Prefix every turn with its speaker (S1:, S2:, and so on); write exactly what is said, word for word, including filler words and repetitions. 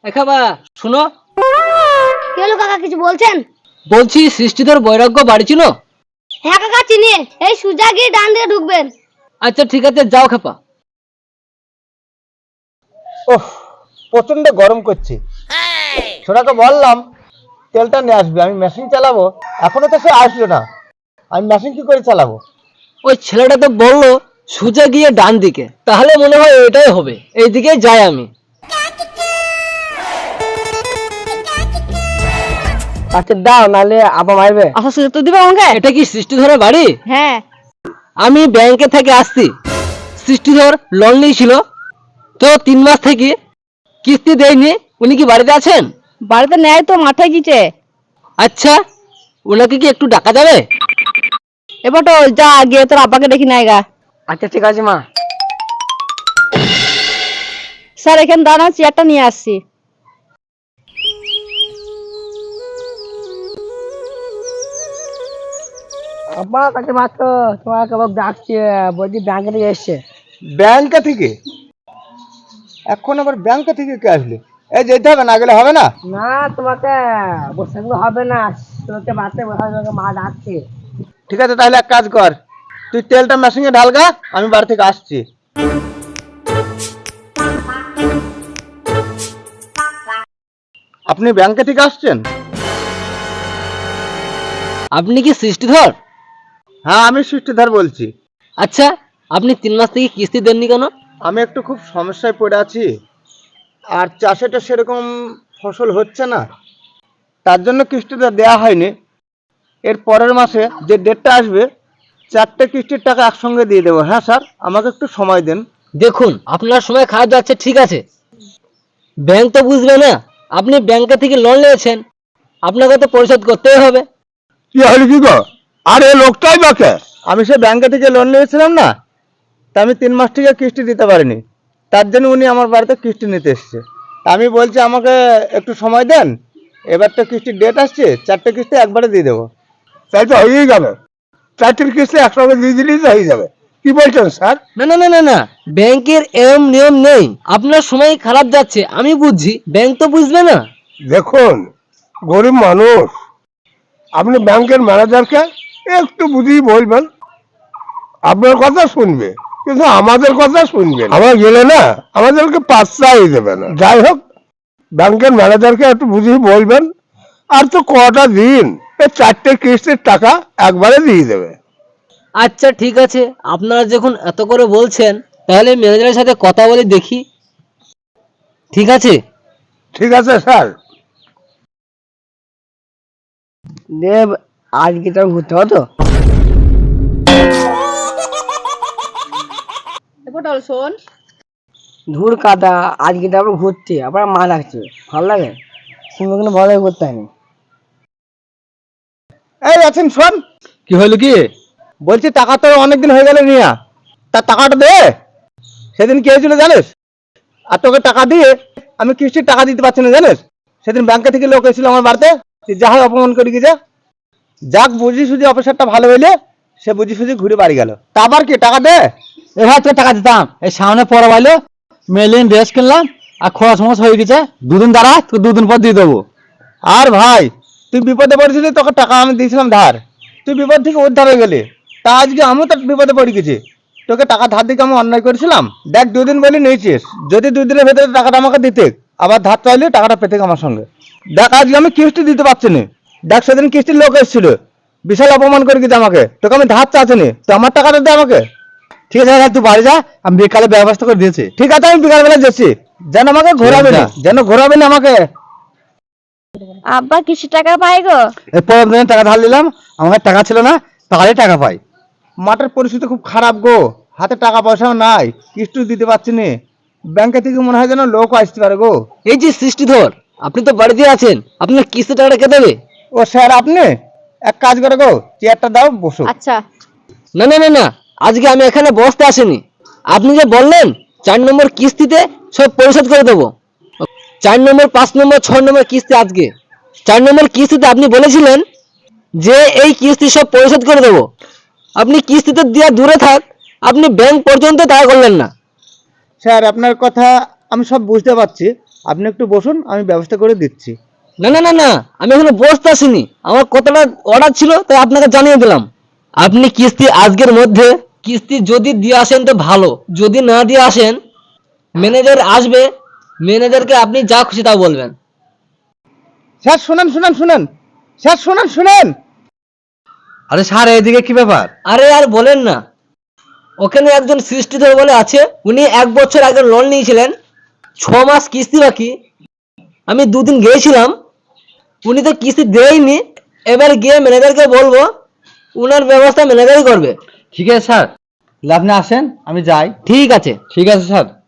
S1: এখাবা শুনো।
S2: কি হলো কাকা, কিছু বলছেন?
S1: বলছি সৃষ্টিধর বৈরাগ্য বাড়ি ছিল?
S2: হ্যাঁ কাকা চিনি, এই সোজা গিয়ে ডান দিকে ঢুকবেন।
S1: আচ্ছা ঠিক আছে, যাও খেপা।
S3: ওহ, প্রচন্ড গরম করছে। ছোটাকে বললাম তেলটা নিয়ে আসবে, আমি মেশিন চালাবো, এখনো তো সে আসলো না। আমি মেশিন কি করে চালাবো?
S1: ওই ছেলেটা তো বললো সোজা গিয়ে ডান দিকে, তাহলে মনে হয় এটাই হবে, এইদিকে যাই আমি।
S4: আচ্ছা দাও, নালে আবার মারবে।
S1: আচ্ছা সুযোগ তো দিবে আমাকে। এটা কি সৃষ্টিধরের বাড়ি?
S2: হ্যাঁ।
S1: আমি ব্যাংকে থেকে আসছি। সৃষ্টিধর লোন নিয়েছিল, তো তিন মাস থেকে কিস্তি দেয়নি। উনি কি বাড়িতে আছেন?
S2: বাড়িতে নেয় তো, মাথায় গিয়েছে।
S1: আচ্ছা, ওনাকে কি একটু ডাকা যাবে?
S2: এবার তো যা গিয়ে তোর আব্বাকে দেখি নাই গা।
S4: আচ্ছা ঠিক আছে মা।
S2: স্যার এখানে দাঁড়ান, চেয়ারটা নিয়ে আসছি।
S4: আব্বা কাছে মাত্র তোমার কেবল ডাকছে, বলছি ব্যাংকে থেকে এসছে।
S3: ব্যাংকে থেকে? এখন আবার ব্যাংকে থেকে কে আসলে? এই যেতে হবে, না গেলে হবে না।
S4: না তোমাকে বসে থাকলে হবে না, তোকে বাড়তে বসা তোকে মা ডাকছে।
S3: ঠিক আছে, তাহলে এক কাজ কর, তুই তেলটা মেশিনে ঢালগা, আমি বাড়ি থেকে আসছি। আপনি ব্যাংকে থেকে আসছেন?
S1: আপনি কি সৃষ্টিধর?
S3: হ্যাঁ, আমি সৃষ্টিধর বলছি।
S1: আচ্ছা, আপনি তিন মাস থেকে কিস্তি দেননি কেন?
S3: আমি একটু খুব সমস্যায় পড়ে আছি, আর চাষেটা সেরকম ফসল হচ্ছে না, তার জন্য কিস্তিটা দেওয়া হয়নি। এর পরের মাসে যে ডেটটা আসবে, চারটে কিস্তির টাকা একসঙ্গে দিয়ে দেবো। হ্যাঁ স্যার, আমাকে একটু সময় দেন।
S1: দেখুন, আপনার সময় খারাপ যাচ্ছে, ঠিক আছে, ব্যাংক তো বুঝবে না আপনি ব্যাংকে থেকে লোন নিয়েছেন, আপনাকে তো পরিশোধ করতেই হবে।
S3: কি হলো কি গো? আর এই লোকটাই বাকে, আমি সে ব্যাংকে থেকে লোন নিয়েছিলাম না, তা আমি তিন মাস থেকে কিস্তি দিতে পারিনি, তার জন্য উনি আমার বাড়িতে কিস্তি নিতে এসছে। তা আমি বলছি আমাকে একটু সময় দেন, এবার তো কিস্তির ডেট আসছে, চারটে কিস্তি একবারে দিয়ে দেবো। তাই তো হয়েই যাবে, চারটে কিস্তি একসঙ্গে দিয়ে দিলেই তো হয়ে যাবে। কি বলছেন স্যার?
S1: না না না না না, ব্যাংকের এরম নিয়ম নেই। আপনার সময় খারাপ যাচ্ছে আমি বুঝছি, ব্যাংক তো বুঝবে না।
S5: দেখুন, গরিব মানুষ, আপনি ব্যাংকের ম্যানেজারকে একটু বুঝিয়ে বলবেন, আপনার কথা শুনবে, কিন্তু আমাদের কথা শুনবে না। আমরা গেলে না আমাদেরকে পাত্তাই দেবে না। যাই হোক, ব্যাংকের ম্যানেজারকে একটু বুঝিয়ে বলবেন, আর তো কটা দিন, এই চারটে কিস্তির টাকা একবারে দিয়ে দেবে।
S1: আচ্ছা ঠিক আছে, আপনারা যখন এত করে বলছেন, তাহলে ম্যানেজারের সাথে কথা বলে দেখি। ঠিক আছে।
S5: ঠিক আছে স্যার।
S4: দেব আজকে তো ঘুরতে হতো।
S2: পটল শোন,
S4: ধুর কাদা, আজকে তো আবার ঘুরতে আবার মা ডাকছে, ভালো লাগে শুনবো, কিন্তু ভালো লাগে করতে হয়নি।
S3: এই আছেন, শোন।
S1: কি হলো কি?
S3: বলছি টাকা তো অনেকদিন হয়ে গেল নিয়া, তার টাকাটা দে। সেদিন কি হয়েছিল জানিস? আর তোকে টাকা দিয়ে আমি কিস্তির টাকা দিতে পারছি না জানিস। সেদিন ব্যাংকে থেকে লোক এসেছিল আমার বাড়িতে, তুই যা হয় অপমান করে গিয়ে যা। যাক, বুঝি সুঝি অফিসারটা ভালো হইলে সে বুঝি সুঝি ঘুরে বাড়ি গেল। তা আবার কি টাকা দে।
S1: এ ভাই তোর টাকা দিতাম, এই সামনে পরে বাইলো মেলিন ড্রেস কিনলাম, আর খরচ মরচ হয়ে গেছে, দুদিন দাঁড়া, তোকে দুদিন পর দিয়ে দেবো।
S3: আর ভাই, তুই বিপদে পড়েছিলি, তোকে টাকা আমি দিয়েছিলাম ধার, তুই বিপদ থেকে উদ্ধার হয়ে গেলি। তা আজকে আমিও তো বিপদে পড়ে গেছি, তোকে টাকা ধার দিকে আমি অন্যায় করেছিলাম। দেখ, দুদিন বলি নিয়েছিস, যদি দুই দিনের ভেতরে টাকাটা আমাকে দিতে, আবার ধার চাইলে টাকাটা পেতে আমার সঙ্গে। দেখ, আজকে আমি কিস্তি দিতে পারছি না। দেখ, সেদিন কিস্তির লোক এসেছিল, বিশাল অপমান করে গেছে আমাকে, তোকে আমি ধার চাচ্ছি, তো আমার টাকাটা দে আমাকে।
S1: ঠিক আছে, তুই বাড়ি যা, আমি বিকালে ব্যবস্থা করে দিয়েছি।
S3: ঠিক আছে, আমি বিকাল বেলা যাচ্ছি, যেন আমাকে ঘোরাবে না, যেন ঘোরাবে না আমাকে।
S2: আব্বা কিছু টাকা পাই গো।
S1: এই পরের দিনে টাকা ধার নিলাম, আমার টাকা ছিল না, তাহলে টাকা পাই।
S3: মাঠের পরিস্থিতি খুব খারাপ গো, হাতে টাকা পয়সাও নাই, কিস্তি দিতে পারছি না। ব্যাংকে থেকে মনে হয় যেন লোক আসতে পারে গো।
S1: এই যে সৃষ্টিধর, আপনি তো বাড়িতে আছেন, আপনার কিস্তি টাকাটা কে দেবে?
S3: ও স্যার, আপনি এক কাজ করে গো, চেয়ারটা দাও, বসো।
S2: আচ্ছা।
S1: না না না না, আজকে আমি এখানে বসতে আসিনি। আপনি যে বললেন চার নম্বর কিস্তিতে সব পরিশোধ করে দেবো, চার নম্বর, পাঁচ নম্বর, ছয় নম্বর কিস্তি আজকে। চার নম্বর কিস্তিতে আপনি বলেছিলেন যে এই কিস্তি সব পরিশোধ করে দেবো। আপনি কিস্তিতে দেওয়া দূরে থাক, আপনি ব্যাংক পর্যন্ত টাকা করলেন না।
S3: স্যার, আপনার কথা আমি সব বুঝতে পারছি, আপনি একটু বসুন, আমি ব্যবস্থা করে দিচ্ছি।
S1: না না না না, আমি এখনো বসতে আসিনি, আমার কতটা অর্ডার ছিল তাই আপনাকে জানিয়ে দিলাম। আপনি কিস্তি আজকের মধ্যে কিস্তি যদি দিয়ে আসেন তো ভালো, যদি না দিয়ে আসেন ম্যানেজার আসবে, ম্যানেজারকে আপনি যা খুশি তা বলবেন।
S3: স্যার শুনেন শুনেন শুনেন স্যার শুনেন শুনেন
S6: আরে স্যার এইদিকে কি ব্যাপার?
S1: আরে আর বলেন না, ওখানে একজন সৃষ্টিধর বলে আছে, উনি এক বছর আগে লোন নিয়েছিলেন, ছ মাস কিস্তি বাকি। আমি দুদিন গিয়েছিলাম, উনি তো কিস্তি দেয়নি। এবার গিয়ে ম্যানেজারকে বলবো, উনার ব্যবস্থা ম্যানেজারই করবে।
S6: ঠিক আছে স্যার, তাহলে আপনি আসেন, আমি যাই।
S1: ঠিক আছে।
S6: ঠিক আছে স্যার।